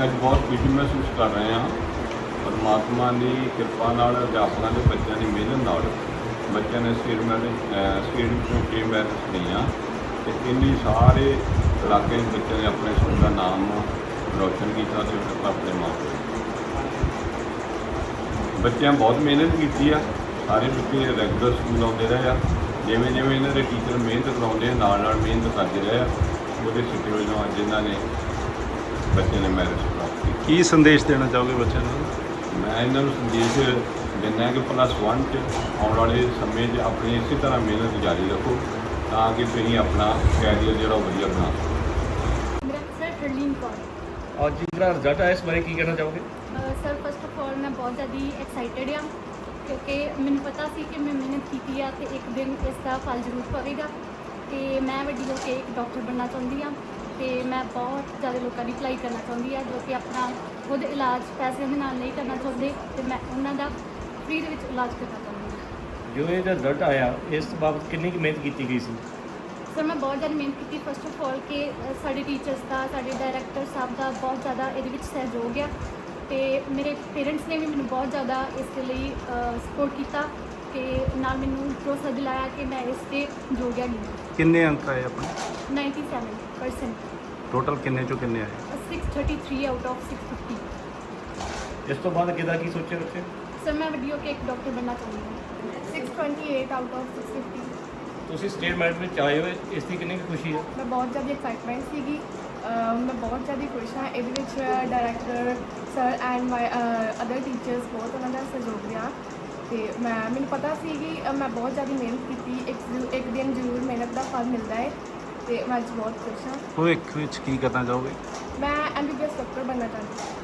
ਅੱਜ ਬਹੁਤ ਖੁਸ਼ੀ ਮਹਿਸੂਸ ਕਰ ਰਹੇ ਹਾਂ। ਪਰਮਾਤਮਾ ਦੀ ਕਿਰਪਾ ਨਾਲ ਅਧਿਆਪਕਾਂ ਦੇ ਬੱਚਿਆਂ ਦੀ ਮਿਹਨਤ ਨਾਲ ਬੱਚਿਆਂ ਨੇ ਸਟੇਟ ਵਿੱਚੋਂ 6 ਮੈਰਿਟਸ ਲਈਆਂ ਅਤੇ ਇੰਨੀ ਸਾਰੇ ਇਲਾਕੇ ਦੇ ਬੱਚਿਆਂ ਨੇ ਆਪਣੇ ਸਕੂਲ ਦਾ ਨਾਮ ਰੌਸ਼ਨ ਕੀਤਾ ਅਤੇ ਆਪਣੇ ਮਾਂ ਪਿਓ ਬੱਚਿਆਂ ਬਹੁਤ ਮਿਹਨਤ ਕੀਤੀ ਆ। ਸਾਰੇ ਬੱਚੇ ਰੈਗੂਲਰ ਸਕੂਲ ਆਉਂਦੇ ਰਹੇ ਆ। ਜਿਵੇਂ ਜਿਵੇਂ ਇਹਨਾਂ ਦੇ ਟੀਚਰ ਮਿਹਨਤ ਕਰਾਉਂਦੇ ਆ ਨਾਲ ਮਿਹਨਤ ਕਰਦੇ ਰਹੇ ਆ। ਉਹਦੇ ਸਿੱਟੇ ਵਜੋਂ ਅੱਜ ਇਹਨਾਂ ਨੇ ਬੱਚਿਆਂ ਨੇ ਮੈਰਿਟ ਪ੍ਰਾਪਤ ਕੀਤੀ। ਕੀ ਸੰਦੇਸ਼ ਦੇਣਾ ਚਾਹੋਗੇ ਬੱਚਿਆਂ ਨੂੰ? ਮੈਂ ਇਹਨਾਂ ਨੂੰ ਸੰਦੇਸ਼ ਦਿੰਦਾ ਕਿ +1 'ਚ ਆਉਣ ਵਾਲੇ ਸਮੇਂ 'ਚ ਆਪਣੀ ਇਸੇ ਤਰ੍ਹਾਂ ਮਿਹਨਤ ਜਾਰੀ ਰੱਖੋ ਤਾਂ ਕਿ ਤੁਸੀਂ ਆਪਣਾ ਕੈਰੀਅਰ ਜਿਹੜਾ ਉਹ ਵਧੀਆ ਬਣਾ ਸਕੋ। ਮੇਰਾ ਸਰ ਹਰਲੀਨ ਕੌਰ। ਅੱਜ ਜਿਹੜਾ ਰਿਜ਼ਲਟ ਆਇਆ ਇਸ ਬਾਰੇ ਕੀ ਕਹਿਣਾ ਚਾਹੋਗੇ? ਸਰ ਫਸਟ ਆਫ ਆਲ ਮੈਂ ਬਹੁਤ ਜ਼ਿਆਦਾ ਐਕਸਾਈਟਿਡ ਹਾਂ ਕਿਉਂਕਿ ਮੈਨੂੰ ਪਤਾ ਸੀ ਕਿ ਮੈਂ ਮਿਹਨਤ ਕੀਤੀ ਆ ਅਤੇ ਇੱਕ ਦਿਨ ਇਸ ਦਾ ਫਲ ਜ਼ਰੂਰ ਪਵੇਗਾ ਅਤੇ ਮੈਂ ਵੱਡੀ ਹੋ ਕੇ ਇੱਕ ਡਾਕਟਰ ਬਣਨਾ ਚਾਹੁੰਦੀ ਹਾਂ ਅਤੇ ਮੈਂ ਬਹੁਤ ਜ਼ਿਆਦਾ ਲੋਕਾਂ ਦੀ ਭਲਾਈ ਕਰਨਾ ਚਾਹੁੰਦੀ ਹਾਂ ਜੋ ਕਿ ਆਪਣਾ ਖੁਦ ਇਲਾਜ ਪੈਸਿਆਂ ਦੇ ਨਾਲ ਨਹੀਂ ਕਰਨਾ ਚਾਹੁੰਦੇ ਅਤੇ ਮੈਂ ਉਹਨਾਂ ਦਾ ਫ੍ਰੀ ਦੇ ਵਿੱਚ ਇਲਾਜ ਕਰਨਾ ਚਾਹੁੰਦੀ ਹਾਂ। ਜੋ ਇਹਦਾ ਰਿਜ਼ਲਟ ਆਇਆ ਇਸ ਬਾਬਤ ਕਿੰਨੀ ਕੁ ਮਿਹਨਤ ਕੀਤੀ ਗਈ ਸੀ? ਸਰ ਮੈਂ ਬਹੁਤ ਜ਼ਿਆਦਾ ਮਿਹਨਤ ਕੀਤੀ। ਫਸਟ ਆਫ ਆਲ ਕਿ ਸਾਡੇ ਟੀਚਰਸ ਦਾ, ਸਾਡੇ ਡਾਇਰੈਕਟਰ ਸਾਹਿਬ ਦਾ ਬਹੁਤ ਜ਼ਿਆਦਾ ਇਹਦੇ ਵਿੱਚ ਸਹਿਯੋਗ ਆ ਅਤੇ ਮੇਰੇ ਪੇਰੈਂਟਸ ਨੇ ਵੀ ਮੈਨੂੰ ਬਹੁਤ ਜ਼ਿਆਦਾ ਇਸ ਦੇ ਲਈ ਸਪੋਰਟ ਕੀਤਾ ਕਿ ਨਾਲ ਮੈਨੂੰ ਭਰੋਸਾ ਦਿਲਾਇਆ ਕਿ ਮੈਂ ਇਸ 'ਤੇ ਯੋਗ ਹੈਗੀ ਹਾਂ। ਕਿੰਨੇ ਅੰਕ ਆਏ ਆਪਣੇ? 97%। ਟੋਟਲ ਕਿੰਨੇ ਚੋਂ ਕਿੰਨੇ ਆਏ? 633 ਆਊਟ ਆਫ 650। ਇਸ ਤੋਂ ਬਾਅਦ ਕਿਹਦਾ ਕੀ ਸੋਚਿਆ ਬੱਚੇ? ਸਰ ਮੈਂ ਵੱਡੀ ਹੋ ਕੇ ਇੱਕ ਡਾਕਟਰ ਬਣਨਾ ਚਾਹੁੰਦੀ ਹਾਂ। 628 ਆਊਟ ਆਫ 650। ਤੁਸੀਂ ਸਟੇਟ ਮੈਰਿਟ ਵਿੱਚ ਆਏ ਹੋਏ, ਇਸ ਦੀ ਕਿੰਨੀ ਕੁ ਖੁਸ਼ੀ ਹੈ? ਮੈਂ ਬਹੁਤ ਜ਼ਿਆਦਾ ਐਕਸਾਈਟਮੈਂਟ ਸੀਗੀ। ਮੈਂ ਬਹੁਤ ਜ਼ਿਆਦਾ ਖੁਸ਼ ਹਾਂ। ਇਹਦੇ ਵਿੱਚ director sir and my other teachers ਬਹੁਤ ਉਹਨਾਂ ਦਾ ਸਹਿਯੋਗ ਰਿਹਾ ਅਤੇ ਮੈਨੂੰ ਪਤਾ ਸੀ ਕਿ ਮੈਂ ਬਹੁਤ ਜ਼ਿਆਦਾ ਮਿਹਨਤ ਕੀਤੀ। ਇੱਕ ਦਿਨ ਜ਼ਰੂਰ ਮਿਹਨਤ ਦਾ ਫਲ ਮਿਲਦਾ ਹੈ ਅਤੇ ਮੈਂ ਅੱਜ ਬਹੁਤ ਖੁਸ਼ ਹਾਂ। ਭਵਿੱਖ ਵਿੱਚ ਕੀ ਕਰਨਾ ਚਾਹੋਗੇ? ਮੈਂ MBBS ਡਾਕਟਰ ਬਣਨਾ ਚਾਹੁੰਦੀ ਹਾਂ।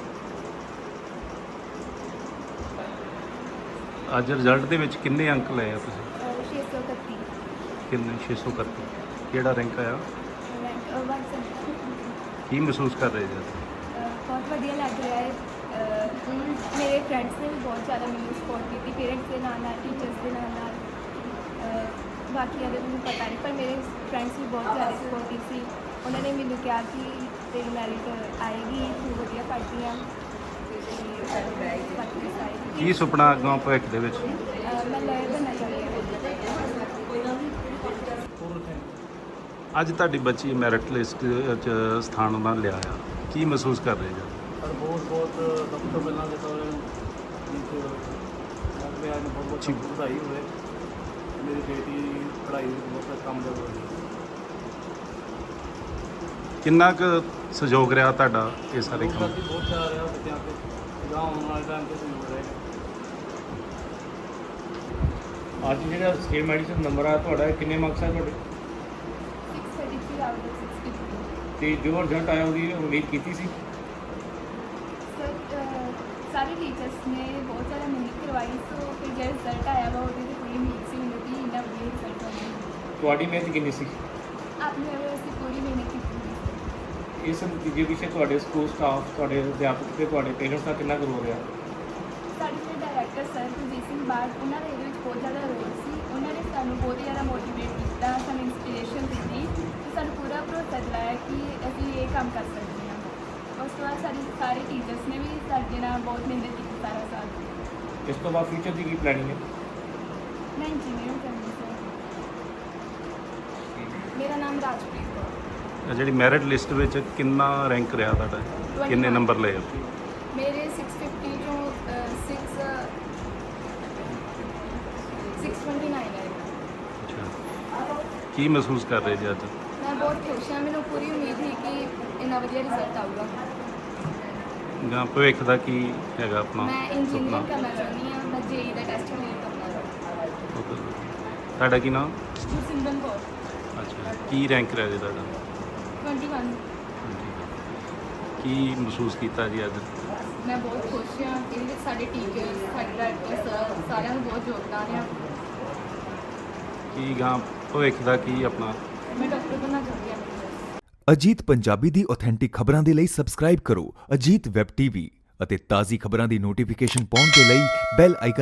ਅੱਜ ਰਿਜ਼ਲਟ ਦੇ ਵਿੱਚ ਕਿੰਨੇ ਅੰਕ ਲਏ ਆ ਤੁਸੀਂ? 631 ਕਿੰਨੇ? 631। ਕਿਹੜਾ ਰੈਂਕ ਆਇਆ? ਰੈਂਕ 1 ਕੀ ਮਹਿਸੂਸ ਕਰ ਰਹੇ ਜੀ? ਬਹੁਤ ਵਧੀਆ ਲੱਗ ਰਿਹਾ ਹੈ। ਮੇਰੇ ਫਰੈਂਡਸ ਨੇ ਵੀ ਬਹੁਤ ਜ਼ਿਆਦਾ ਮੈਨੂੰ ਸਪੋਰਟ ਕੀਤੀ, ਪੇਰੈਂਟਸ ਦੇ ਨਾਲ ਨਾਲ, ਟੀਚਰਸ ਦੇ ਨਾਲ ਨਾਲ। ਬਾਕੀਆਂ ਦੇ ਮੈਨੂੰ ਪਤਾ ਨਹੀਂ ਪਰ ਮੇਰੇ ਫਰੈਂਡਸ ਵੀ ਬਹੁਤ ਜ਼ਿਆਦਾ ਸਪੋਰਟਿਵ ਸੀ। ਉਹਨਾਂ ਨੇ ਮੈਨੂੰ ਕਿਹਾ ਕਿ ਤੇਰੀ ਮੈਰਿਟ ਆਏਗੀ, ਤੂੰ ਵਧੀਆ ਪੜ੍ਹਦੀ ਆ। ਕੀ ਸੁਪਨਾ ਅੱਗੋਂ ਭਵਿੱਖ ਦੇ ਵਿੱਚ? ਮੈਂ ਲਾਇਰ ਬਣਨਾ ਚਾਹੁੰਦੀ ਹਾਂ। ਅੱਜ ਤੁਹਾਡੀ ਬੱਚੀ ਮੈਰਿਟ ਲਿਸਟ 'ਚ ਸਥਾਨ ਉਹਨਾਂ ਲਿਆ ਆ, ਕੀ ਮਹਿਸੂਸ ਕਰ ਰਹੇ ਜੀ? ਸਰ ਬਹੁਤ ਸਭ ਤੋਂ ਪਹਿਲਾਂ ਤਾਂ ਮੈਂ ਅੱਜ ਬਹੁਤ ਵਧਾਈ ਹੋਵੇ। ਮੇਰੀ ਬੇਟੀ ਪੜ੍ਹਾਈ ਵਿੱਚ ਬਹੁਤ ਕਾਮਯਾਬ ਹੋ ਗਈ। ਕਿੰਨਾ ਕੁ ਸਹਿਯੋਗ ਰਿਹਾ ਤੁਹਾਡਾ ਇਹ ਸਾਰੇ ਕੰਮ? ਬਹੁਤ ਜ਼ਿਆਦਾ ਰਿਹਾ ਬੱਚਿਆਂ 'ਤੇ ਜਾਂ ਆਉਣ ਵਾਲੇ ਟਾਈਮ 'ਤੇ ਸਹਿਯੋਗ ਰਹੇਗਾ। ਅੱਜ ਜਿਹੜਾ ਸਟੇਟ ਮੈਰਿਟ ਵਿੱਚ ਨੰਬਰ ਆਇਆ ਤੁਹਾਡਾ, ਕਿੰਨੇ ਮਾਰਕਸ ਆ ਤੁਹਾਡੇ? 633 ਆਊਟ ਆਫ 650। ਅਤੇ ਜੋ ਰਿਜ਼ਲਟ ਆਇਆ ਉਹਦੀ ਉਮੀਦ ਕੀਤੀ ਸੀ? ਸਰ ਸਾਰੇ ਟੀਚਰਸ ਨੇ ਬਹੁਤ ਜ਼ਿਆਦਾ ਮਿਹਨਤ ਕਰਵਾਈ ਸੋ ਫਿਰ ਜਿਹੜਾ ਰਿਜ਼ਲਟ ਆਇਆ ਵਾ ਉਹਦੇ 'ਤੇ ਪੂਰੀ ਉਮੀਦ ਸੀ ਮੈਨੂੰ ਕਿ ਇੰਨਾ ਵਧੀਆ ਰਿਜ਼ਲਟ ਆਉਣਾ। ਤੁਹਾਡੀ ਮਿਹਨਤ ਕਿੰਨੀ ਸੀ? ਆਪਣੇ ਵੱਲੋਂ ਅਸੀਂ ਪੂਰੀ ਮਿਹਨਤ ਕੀਤੀ। ਇਸ ਨਤੀਜੇ ਪਿੱਛੇ ਤੁਹਾਡੇ ਸਕੂਲ ਸਟਾਫ, ਤੁਹਾਡੇ ਅਧਿਆਪਕ ਅਤੇ ਤੁਹਾਡੇ ਪੇਰੈਂਟਸ ਦਾ ਕਿੰਨਾ ਕੁ ਰੋਲ ਰਿਹਾ? ਸਾਡੇ ਜਿਹੜੇ ਡਾਇਰੈਕਟਰ ਸਰ ਕੁਲਜੀਤ ਸਿੰਘ ਬਾਠ, ਉਹਨਾਂ ਦਾ ਇਹਦੇ ਵਿੱਚ ਬਹੁਤ ਜ਼ਿਆਦਾ ਰੋਲ ਸੀ। ਉਹਨਾਂ ਨੇ ਸਾਨੂੰ ਬਹੁਤ ਜ਼ਿਆਦਾ ਮੋਟੀਵੇਟ ਕੀਤਾ, ਸਾਨੂੰ ਇੰਸਪੀਰੇਸ਼ਨ ਦਿੱਤੀ ਅਤੇ ਸਾਨੂੰ ਪੂਰਾ ਭਰੋਸਾ ਦਿਲਾਇਆ ਕਿ ਅਸੀਂ ਇਹ ਕੰਮ ਕਰ ਸਕਦੇ ਹਾਂ। ਉਸ ਤੋਂ ਬਾਅਦ ਸਾਡੇ ਸਾਰੇ ਟੀਚਰਸ ਨੇ ਵੀ ਸਾਡੇ ਨਾਲ ਬਹੁਤ ਮਿਹਨਤ ਕੀਤੀ ਸਾਰਾ ਸਾਲ। ਇਸ ਤੋਂ ਬਾਅਦ ਫਿਊਚਰ ਦੀ ਕੀ ਪਲੈਨਿੰਗ ਹੈ? ਮੈਂ ਇੰਜੀਨੀਅਰਿੰਗ ਕਰਨੀ ਸਰ। ਮੇਰਾ ਨਾਮ ਰਾਜਪ੍ਰੀਤ ਕੌਰ। ਜਿਹੜੀ ਮੈਰਿਟ ਲਿਸਟ ਵਿੱਚ ਕਿੰਨਾ ਰੈਂਕ ਰਿਹਾ ਤੁਹਾਡਾ? ਕਿੰਨੇ ਨੰਬਰ ਲਏ ਉੱਥੇ? ਮੇਰੇ 650 ਚੋਂ 629 ਆਏ। ਅੱਛਾ, ਕੀ ਮਹਿਸੂਸ ਕਰ ਰਹੇ ਜੀ ਅੱਜ? ਮੈਂ ਬਹੁਤ ਖੁਸ਼ ਹਾਂ। ਮੈਨੂੰ ਪੂਰੀ ਉਮੀਦ ਸੀ ਕਿ ਇੰਨਾ ਵਧੀਆ ਰਿਜ਼ਲਟ ਆਊਗਾ। ਜਾਂ ਭਵਿੱਖ ਦਾ ਕੀ ਹੈਗਾ ਆਪਣਾ ਮੈਂ ਸੁਪਨਾ? ਇੰਜੀਨੀਅਰਿੰਗ ਕਰਨਾ ਚਾਹੁੰਦੀ ਹਾਂ। ਮੈਂ JEE ਦਾ ਟੈਸਟ ਕਲੀਅਰ ਕਰਨਾ। ਤੁਹਾਡਾ ਕੀ ਨਾਮ? ਗੁਰਸਿਮਰਨ ਕੌਰ। ਅੱਛਾ, ਕੀ ਰੈਂਕ ਰਿਹਾ ਜੀ ਤੁਹਾਡਾ? 21। ਕੀ ਮਹਿਸੂਸ ਕੀਤਾ ਜੀ ਅੱਜ? ਮੈਂ ਬਹੁਤ ਖੁਸ਼ ਹਾਂ। ਇਹਦੇ ਵਿੱਚ ਸਾਡੇ ਟੀਚਰਸ, ਸਾਡੇ ਡਾਇਰੈਕਟਰ ਸਰ ਸਾਰਿਆਂ ਨੂੰ ਬਹੁਤ ਯੋਗਦਾਨ ਆ। ਕੀ ਗਾਂ ਭਵਿੱਖ ਦਾ ਕੀ ਆਪਣਾ? ਮੈਂ ਡਾਕਟਰ ਬਣਨਾ ਚਾਹੁੰਦੀ ਹਾਂ। ਅਜੀਤ ਪੰਜਾਬੀ ਦੀ ਆਥੈਂਟਿਕ ਖਬਰਾਂ ਦੇ ਲਈ ਸਬਸਕ੍ਰਾਈਬ ਕਰੋ ਅਜੀਤ ਵੈਬ ਟੀਵੀ ਅਤੇ ਤਾਜ਼ੀ ਖਬਰਾਂ ਦੀ ਨੋਟੀਫਿਕੇਸ਼ਨ ਪਾਉਣ ਦੇ ਲਈ ਬੈਲ ਆਈਕਨ